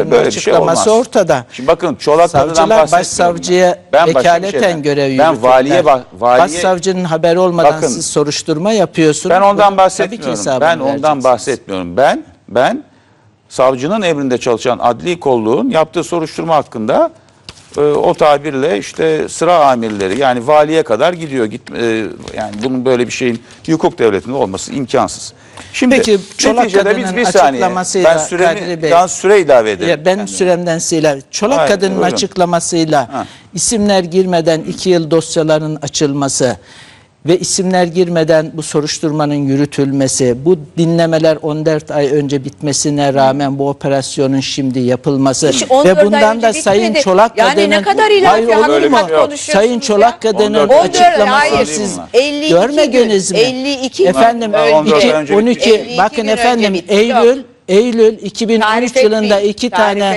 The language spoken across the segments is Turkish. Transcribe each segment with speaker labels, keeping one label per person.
Speaker 1: kadının açıklaması ortada.
Speaker 2: Şimdi bakın Çolak Kadı'dan bahsetmiyorum.
Speaker 1: Başsavcıya vekaleten görev yürütürler.
Speaker 2: Ben valiye
Speaker 1: Başsavcının haberi olmadan siz soruşturma yapıyorsunuz.
Speaker 2: Ben ondan bahsetmiyorum. Ben savcının emrinde çalışan adli kolluğun yaptığı soruşturma hakkında o tabirle işte sıra amirleri, yani valiye kadar gidiyor. Yani bunun böyle bir şeyin hukuk devletinde olması imkansız. Şimdi
Speaker 1: peki Çolak Kadı'nın açıklamasıyla
Speaker 2: süre ilave edelim.
Speaker 1: Ben süremden siler. Çolak Kadı'nın açıklamasıyla isimler girmeden 2 yıl dosyaların açılması ve isimler girmeden bu soruşturmanın yürütülmesi, bu dinlemeler 14 ay önce bitmesine rağmen bu operasyonun şimdi yapılması ve bundan da Sayın Çolak Kadı'nın,
Speaker 3: yani ne kadar ileride
Speaker 1: Sayın Çolak Kadı'nın açıklamasını siz görmediniz mi?
Speaker 3: 52
Speaker 1: efendim 12 bakın efendim Eylül 2013 yılında iki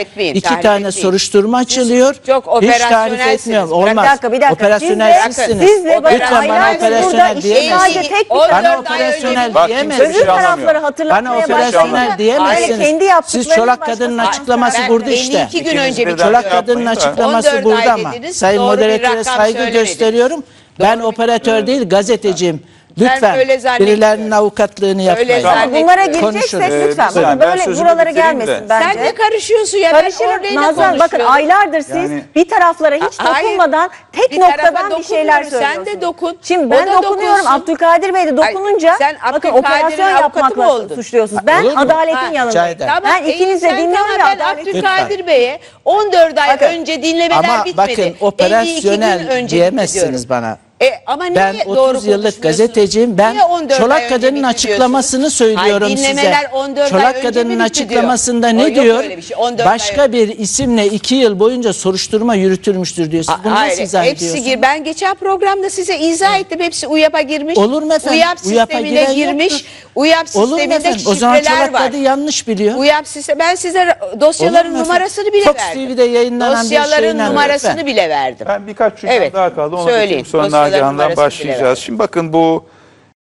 Speaker 1: tane soruşturma açılıyor. Hiç tarif etmiyorum. Olmaz.
Speaker 4: Bir dakika.
Speaker 1: Operasyonelsizsiniz. Lütfen bana operasyonel diyemezsiniz. Bana operasyonel diyemezsiniz.
Speaker 4: Öbür tarafları hatırlatmaya
Speaker 1: Bana operasyonel diyemezsiniz. Siz Çolak Kadı'nın açıklaması burada işte. Çolak Kadı'nın açıklaması burada ama. Sayın moderatöre saygı gösteriyorum. Ben operatör değil, gazeteciyim. Lütfen birilerinin avukatlığını yapmayın.
Speaker 4: Bunlara gireceksek lütfen. Böyle buralara gelmesin bence.
Speaker 3: Sen de karışıyorsun ya.
Speaker 4: Karışırım Nazan, bakın aylardır siz bir taraflara hiç dokunmadan tek noktadan bir şeyler söylüyorsunuz.
Speaker 3: Sen de dokun.
Speaker 4: Şimdi ben dokunuyorum. Abdülkadir Bey de dokununca bakın operasyon yapmakla suçluyorsunuz. Ben adaletin yanındayım. Ben ikinizi de dinliyorum ve adaletin.
Speaker 3: Abdülkadir Bey'e 14 ay önce dinlemeler bitmedi.
Speaker 1: Ama bakın operasyonel diyemezsiniz bana.
Speaker 3: Ama
Speaker 1: ben 30 yıllık gazeteciyim. Ben Çolak Kadı'nın açıklamasını söylüyorum size. Çolak Kadı'nın açıklamasında ne diyor? Başka bir isimle 2 yıl boyunca soruşturma yürütülmüştür diyor. Siz bunu nasıl izah ediyorsunuz?
Speaker 3: Ben geçen programda size izah ettim. Hepsi UYAP'a girmiş.
Speaker 1: Olur mu efendim?
Speaker 3: UYAP sistemine girmiş. UYAP sisteminde şifreler var.
Speaker 1: O zaman Çolak Kadı yanlış biliyor.
Speaker 3: UYAP sistemi. Ben size dosyaların numarasını bile verdim.
Speaker 1: Fox TV'de yayınlanan
Speaker 3: dosyaların numarasını bile verdim.
Speaker 2: Ben birkaç cümle daha kaldı. Onu söyleyeyim. Sonra Nagihan'dan başlayacağız. Şimdi bakın bu